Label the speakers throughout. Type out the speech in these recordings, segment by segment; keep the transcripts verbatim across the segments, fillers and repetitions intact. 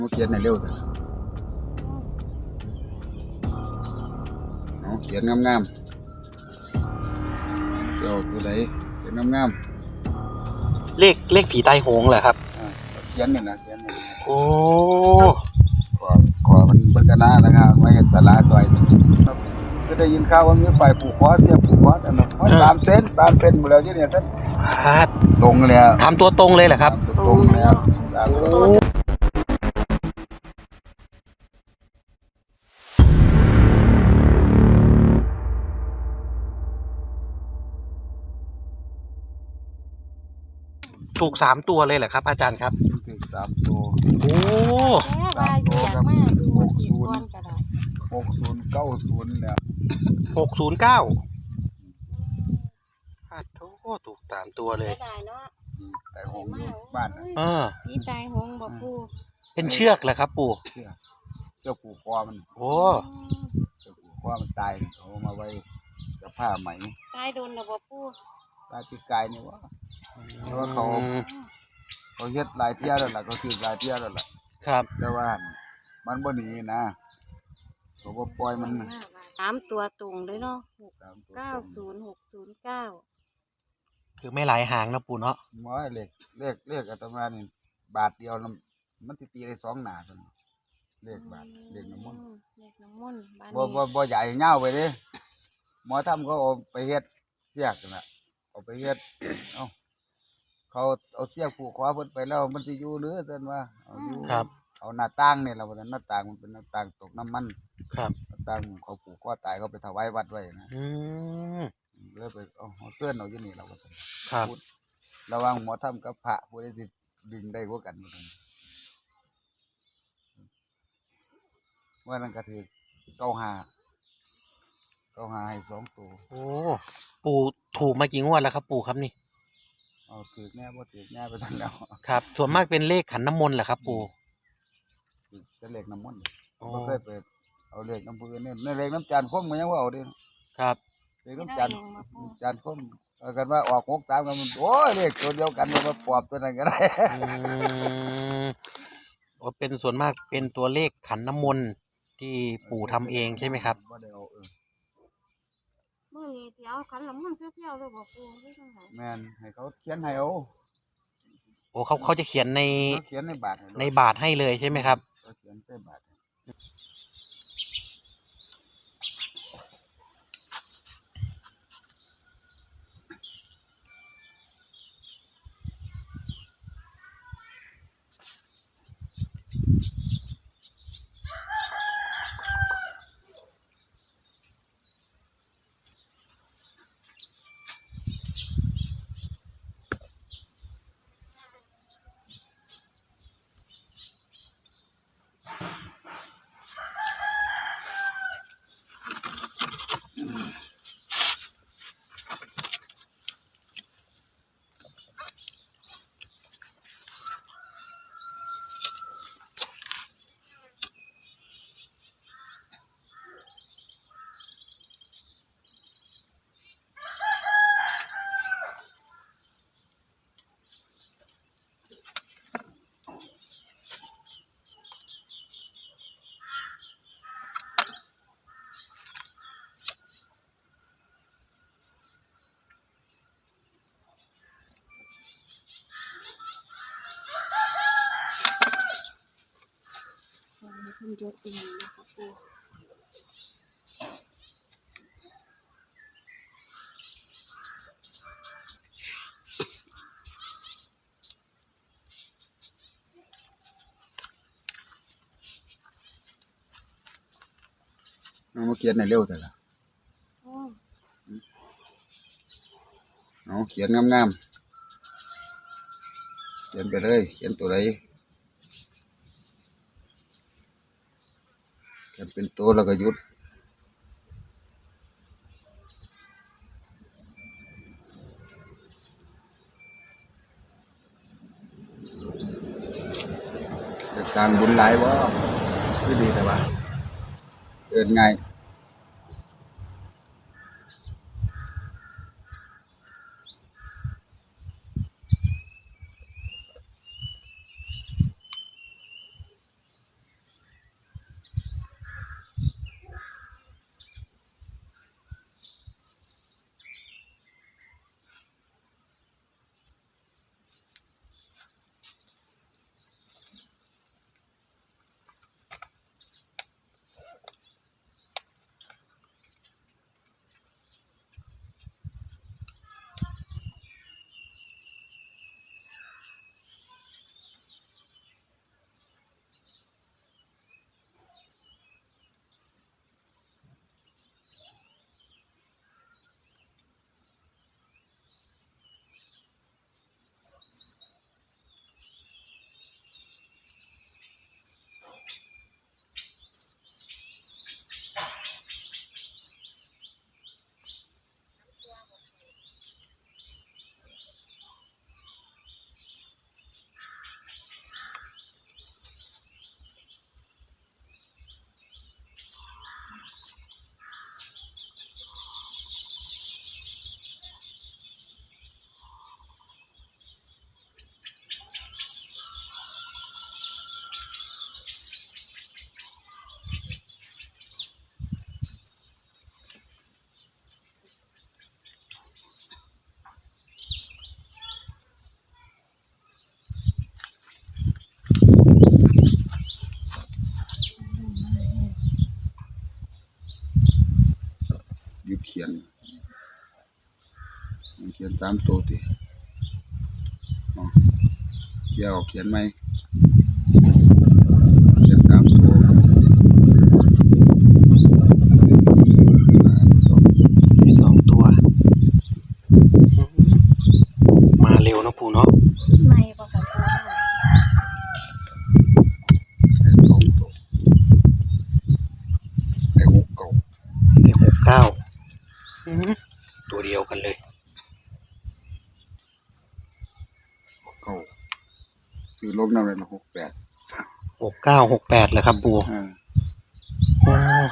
Speaker 1: เขียนในเร็วเถอะเอาเขียนงามๆเจ้าตัวไหนเขียนงาม
Speaker 2: เลขเลขผีตายโหงเหรอครับ
Speaker 1: ๆอ่าเขียนนี่นะเขียนนี่นะ
Speaker 2: โอ้
Speaker 1: ขอขอมันเบิ่งกันนะนะครับไว้เห็นสลาซอยครับก็ได้ยินข่าวว่ามีฝ่ายผูกคอเสียผูกคอแต่ละคอสามเซนสามเซนหมดแล้วที่เนี่ยท่าน
Speaker 2: พาด
Speaker 1: ตรงแล้ว
Speaker 2: ทำตัวตรงเลยเหรอครับ
Speaker 1: ตรงแล้วสามตัว
Speaker 2: ถูกสามตัวเลยเหรอครับ อาจารย์ครับ
Speaker 1: ถึงสามตัว
Speaker 2: โอ้
Speaker 3: แม่ว่าอยู่อยากมาดูอีกก้อนก็ได้
Speaker 1: หกศูนย์เก้าศูนย์เนี่ย
Speaker 2: หกศูนย์เก้าพาดโอ้ถูกสามตัวเลย
Speaker 3: ได้เนาะ
Speaker 1: แต่หงอยู่บ้านนะ
Speaker 2: เออ
Speaker 3: พี่ตายหงบอกปู
Speaker 2: เป็นเชือกเหรอครับ ปู่
Speaker 1: เชื่อเจ้าผูกคอมัน
Speaker 2: โอ้
Speaker 1: เจ้าผูกคอมันตายเขาเอามาไว้กับผ้าไหม
Speaker 3: ตายโดนนะบอกปู
Speaker 1: ตายปีกายนี่วะ เพราะว่าเขา เขาเฮ็ดหลายเที่ยวแล้วล่ะเขาถือหลายเที่ยวแล้วล่ะ
Speaker 2: ครับ
Speaker 1: แต่ว่ามันบ่หนีนะเขาบ่ปล่อยมัน
Speaker 3: สามตัวตรงเลยเนาะหก
Speaker 1: ตามตัว
Speaker 3: เก้าศูนย์หกศูนย์เก้า
Speaker 2: คือไม่หลายหางนะปู่เนาะ
Speaker 1: หมอเลขเลขเลขอาตมานี่บาทเดียวน่ะมันสิตีได้สองหน้าซั่นเลขบาทเลขน้ำมนต์
Speaker 3: เลขน้ำมนต์บ้าน
Speaker 1: บ่
Speaker 3: นี้
Speaker 1: บ่บ่ใหญ่ยาวไปเด้หมอทำเขาเอาไปเฮ็ดเสียกนั่นน่ะเอาไปเฮ็ด เอ้าเขาเอาเสียกผูกคอเพิ่นไปแล้วมันสิอยู่หรือซั่นว่าเอาอยู่
Speaker 2: ครับ
Speaker 1: เอาหน้าต่างนี่ล่ะว่าซั่นหน้าต่างมันเป็นหน้าต่างตกน้ำมัน
Speaker 2: ครับ
Speaker 1: ต่างเขาผูกคอตายเขาไปถวายวัดไว้นะ
Speaker 2: อืม
Speaker 1: เลยไปเอาเอาเสื้อนเอาอยู่นี่เราก็
Speaker 2: ครับ
Speaker 1: พูดระหวังหมอทำกับพระผู้ใดสิดึงได้กว่ากันว่าซั่นว่านั่นก็ถือเก้าหาเก้าหาให้สองตัว
Speaker 2: โอ้ปู่ถูกมากี่งวดแล้วครับ ปู่ครับนี่
Speaker 1: เอาถือแน่บ่ถือแน่ไปทั้งแล้ว
Speaker 2: ครับ ส่วนมากเป็นเลขขันน้ำมนต์เหรอครับ ปู่
Speaker 1: ถือจะเลขน้ำมันต์
Speaker 2: อ๋อ
Speaker 1: บ่เคยไปเอาเลขน้ำปืนเนี่ยในเลขน้ำจานคมก็ยังว่าเอาเดิ
Speaker 2: ครับ
Speaker 1: เลขน้ำจานจานคมเอากันว่าออกหกสามกันมันโอ้ยเลขตัวเดียวกันมันมาปอบตัวนั้นก็ได้
Speaker 2: อืมว่าเป็นส่วนมากเป็นตัวเลขขันน้ำมนต์ที่ปู่ทำเองใช่ไหมครับ
Speaker 1: บ่ได้เอาเออ
Speaker 3: เมื่อนี้ที่เอาขันน้ำมนต์เปรี้ยวๆเลยบอกปูไม่ต้องไหน
Speaker 1: แม่นให้เขาเขียนให้เอา
Speaker 2: โอ้เขาเขาจะเขียนใน
Speaker 1: เขาเขียนในบาทให้เลย
Speaker 2: ในบาทให้เลยใช่ไหมครับ
Speaker 1: เขาเขียนใส่บาทให้
Speaker 3: คุณยศเองนะคะปู
Speaker 1: เอามาเขียนในเร็วแต่ละ
Speaker 3: โอ้
Speaker 1: เอาเขียนงามๆเขียนไปเลยเขียนตัวใดเขียนเป็นตัวแล้วก็หยุดจะสร้างบุญหลายบ่คือดีแต่ว่าเดินง่ายขียนสามตัวติอ๋อเดี๋ยวเขียนไหมเขียนสามตัว
Speaker 2: สองตัวมาเร็วนะปู่เนาะ
Speaker 3: ในบ่ค่ะปู
Speaker 1: ใส่สองตัวใส่หกเก่า
Speaker 2: ได้หกเก้าอืมตัวเดียวกันเลย
Speaker 1: หกเก่าซื้อลบน้ำเลยนะหกแปด
Speaker 2: หกเก้าหกแปดเลยครับปู่
Speaker 1: อ่า
Speaker 2: โอ้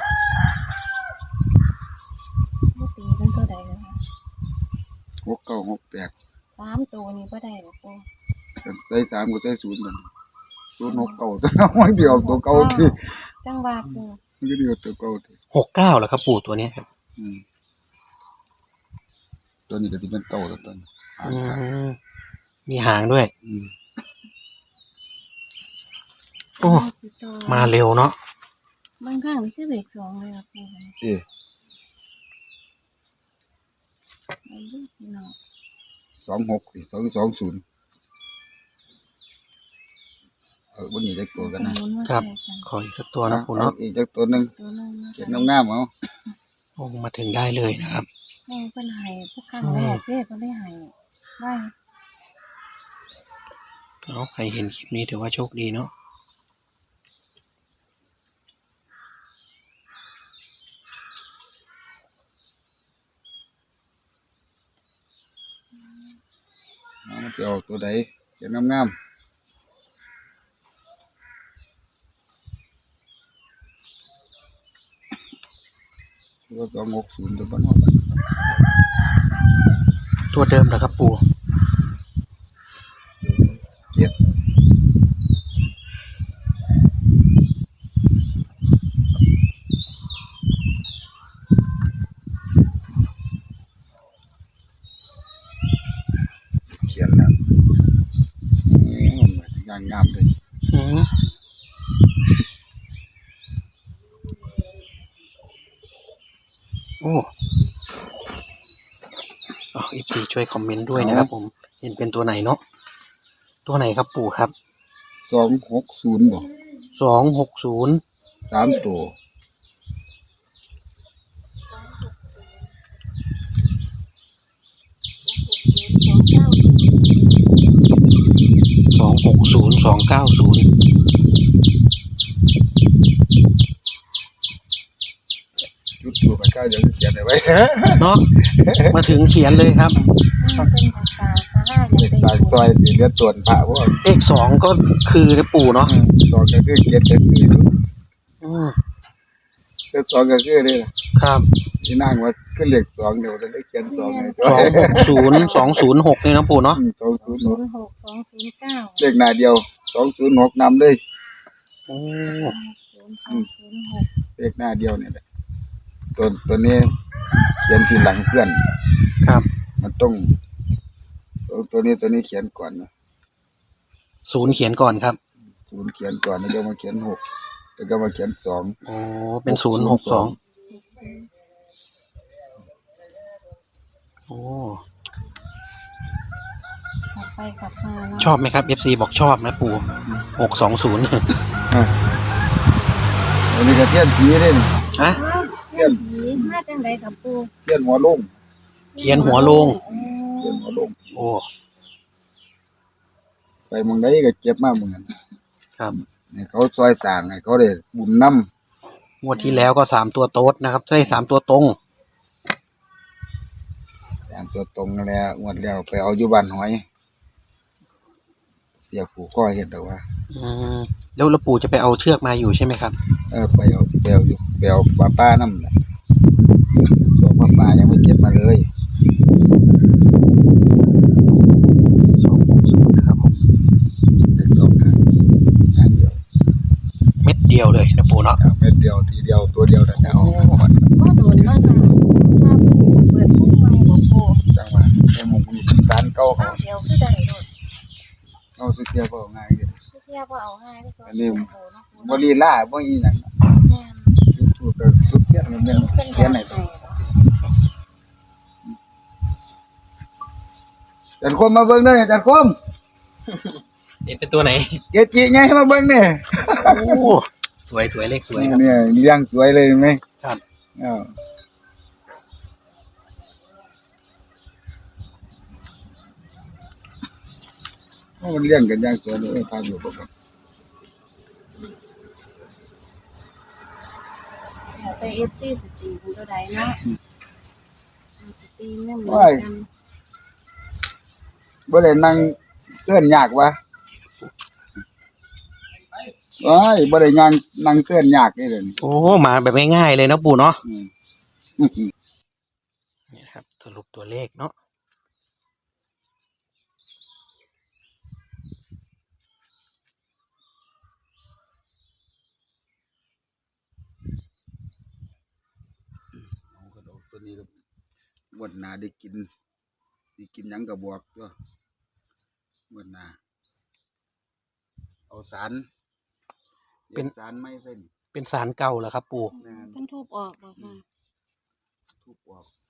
Speaker 3: บ่ตีเป็นตัวใดเลยค่ะ
Speaker 1: หกเก่าหกแปด
Speaker 3: สามตัวนี้บ่ได้บ่ปู
Speaker 1: ใส่สามก็ใส่ศูนย์มันศูนย์หกเก่าตัวน้อยเดียวตัวเก่าที่
Speaker 3: จังหวะปู
Speaker 1: มันก็เดียวตัวเก่าที่
Speaker 2: หกเก้าเหรอครับปู่ตัวเนี้ยครับ
Speaker 1: อืมตัวนี้ก็ที่เป็นเก่าตัวต้นหาง
Speaker 2: อื
Speaker 1: สัตว์
Speaker 2: มมีหางด้วย
Speaker 1: อืม
Speaker 2: โอ้มาเร็วเนาะ
Speaker 3: บางครั้งนี่คือเลขสองเลยค่ะปู
Speaker 1: เอ๊ะ
Speaker 3: ไอ้ลูกพี่น้อง
Speaker 1: สองหกสิสองสองศูนย์เออวันนี้จะตัวกันนะครับ
Speaker 2: ขออีกสักตัวนะปู่เนาะ
Speaker 1: อีกจักตัวหนึ่ง
Speaker 3: ตัวนึงนะ
Speaker 1: เขียน
Speaker 3: คะ
Speaker 1: งามๆเอา
Speaker 2: โอ้มาถึงได้เลยนะครับ
Speaker 3: แม่เพิ่นให้พวกครั้งแรกเด้เพิ่นได้ให้ไว้
Speaker 2: เอาใครเห็นคลิปนี้ถือว่าโชคดีเนาะ
Speaker 1: เอามันจะออกตัวใดเขียนงามๆตัวสองหกศูนย์ตัวบ้านนอก
Speaker 2: ตัวเดิมเหรอครับปู่
Speaker 1: เจ็ดเขียนแล้วอืมงามงามเลย
Speaker 2: อืมโอ้อ๋ออีพีช่วยคอมเมนต์ด้วยนะครับผม เห็นเป็นตัวไหนเนาะ ตัวไหนครับปู่ครับ
Speaker 1: สองหกศูนย์บอก
Speaker 2: สองหกศูนย์
Speaker 1: สามตัว
Speaker 3: สองเก้า
Speaker 2: สองหกศูนย์สองเก้าศูนย์
Speaker 1: จุดตัวไปก้าวยังเขียนเอาไว้
Speaker 2: เนาะ มาถึงเขียนเลยครับ
Speaker 3: มันเป็นภาษาสาราอ
Speaker 1: เด็
Speaker 3: ย่าก ง
Speaker 1: ตากซอยตีเลือดตวนพระว่า
Speaker 2: เลขสองก็คือนะปู่เนาะ
Speaker 1: สองก็คือเกียรติคือ
Speaker 2: อืม
Speaker 1: เลือดสองก็คือนี่แหละ
Speaker 2: ครับ
Speaker 1: ที่นั่งว่าขึ้นเลขสองเดี๋ยวจะได้เขียนสองไง
Speaker 2: สองหกศูนย์สองศูนย์หกนี่นะปู่เนาะ
Speaker 1: สองศูนย์ห
Speaker 3: ศู
Speaker 1: ก
Speaker 3: นย์หกสองศูนย์เก้า
Speaker 1: เลขหน้าเดียวสองศูนย์หกนำเลย
Speaker 2: โอ้
Speaker 3: ศูนย์สองศูนย์หก
Speaker 1: เลขหน้าเดียวเนี่ยแหละตัวตัวนี้เขียนทีหลังเพื่อน
Speaker 2: ครับ
Speaker 1: มันต้องตัวตัวนี้ตัวนี้เขียนก่อนนะ
Speaker 2: ศูนย์เขียนก่อนครับ
Speaker 1: ศูนย์เขียนก่อนแล้วก็มาเขียนหกแล้วก็มาเขียนสอง
Speaker 2: โอ้เป็นศูนย์หกสองโอ้
Speaker 3: กลับไปกลับมาเนาะ
Speaker 2: ชอบไหมครับ เอฟ ซี บอกชอบนะปู่หกสองศูนย์
Speaker 1: อ่ะอันนี้ก็เทียนผีเด่น
Speaker 2: อะ
Speaker 3: เทียนผีมาจังไดกับปู
Speaker 1: เทียนหัวลุ่ม
Speaker 2: เขียนหัวลง
Speaker 1: เทียนหัวลุ่ม
Speaker 2: โอ้
Speaker 1: ไปเมึงได้ก็เจ็บมากเหมือนกัน
Speaker 2: ครับ
Speaker 1: ให้เขาซอยสร้างให้เขาได้บุญน้
Speaker 2: งวดที่แล้วก็สามตัวโต๊ดนะครับใช่สามตัวตรง
Speaker 1: ำสร้างตัวตรงนั่นแหล้วงวดแล้วไปเอาอยู่บ้านหอย เสียผูข้อเห็ดเอาว่า
Speaker 2: อืมแล้วแล้วปู่จะไปเอาเชือกมาอยู่ใช่ไหมครับ
Speaker 1: เออไปเอาที่ไปเอาอยู่ไปเอาปลาป้าน้ำแหละส่วนปลาป้ายังไม่เก็บมาเลย
Speaker 2: สองหกศูนย์นะครับผม
Speaker 1: เด็กสองครั้งครั้งเดียว
Speaker 2: เม็ดเดียวเลยนะปู่เนาะ
Speaker 1: เอาเม็ดเดียวทีเดียวตัวเดียวแต่เอาหมด
Speaker 3: ก็โดนมากค่ะทราบปูเปิดพุ่งใหม่ของปู
Speaker 1: จังหวะไอ้หมุกนี่สารเก่าเขา
Speaker 3: ข้าวเดียวคือได้โดด
Speaker 1: เอาสุเทียบเอาง่ายเลย
Speaker 3: เทียบว่าเอาง่ายก็สอน
Speaker 1: อันนี้
Speaker 3: ปูเนาะปู
Speaker 1: บรีล่าบ่อีหยัง
Speaker 3: แม่น
Speaker 1: จุดจุดๆจุดเทียนมันเป็น
Speaker 3: เป็น
Speaker 1: เขียนไหน
Speaker 3: แบบ
Speaker 1: ตัว
Speaker 3: ไหน
Speaker 1: จันคมมาเบิ่งเด้อจันคม
Speaker 2: เห็นเป็นตัวไหน
Speaker 1: เกจิไงมาเบิ่งเนี่ย
Speaker 2: โอ้สวยสวยเลขสวยครับ
Speaker 1: เนี่ยเลี้ยงสวยเลยเห็นไหม
Speaker 2: ครับ
Speaker 1: อ้าวโอ้มันเลี้ยงกันอย่างสวยเลยพาดูบ่ครับ
Speaker 3: แล้วแต่ เอฟ ซี สตีเป็นตัวใดเนาะสตีไม่เหมือนกัน
Speaker 1: บ่ได้นั่งเสื้อนยากวะว้ายบ่ได้ยังนั่งเสื้อนยากนี่เลย
Speaker 2: โอ้มาแบบง่ายๆเลยเนาะปู่เนาะ
Speaker 1: อืม
Speaker 2: นี่ครับสรุปตัวเลขเนาะ
Speaker 1: เอากระดอกตัวนี้ก็งวดหน้าได้กินได้กินหยังก็บอกตัวงวดหน้าเอาสารเป็นสารไม้เส้น
Speaker 2: เป็นสารเก่าเหรอครับปู่
Speaker 1: แม่น
Speaker 3: เพิ่นทุบออกบ่ค่ะ
Speaker 1: ทุบออก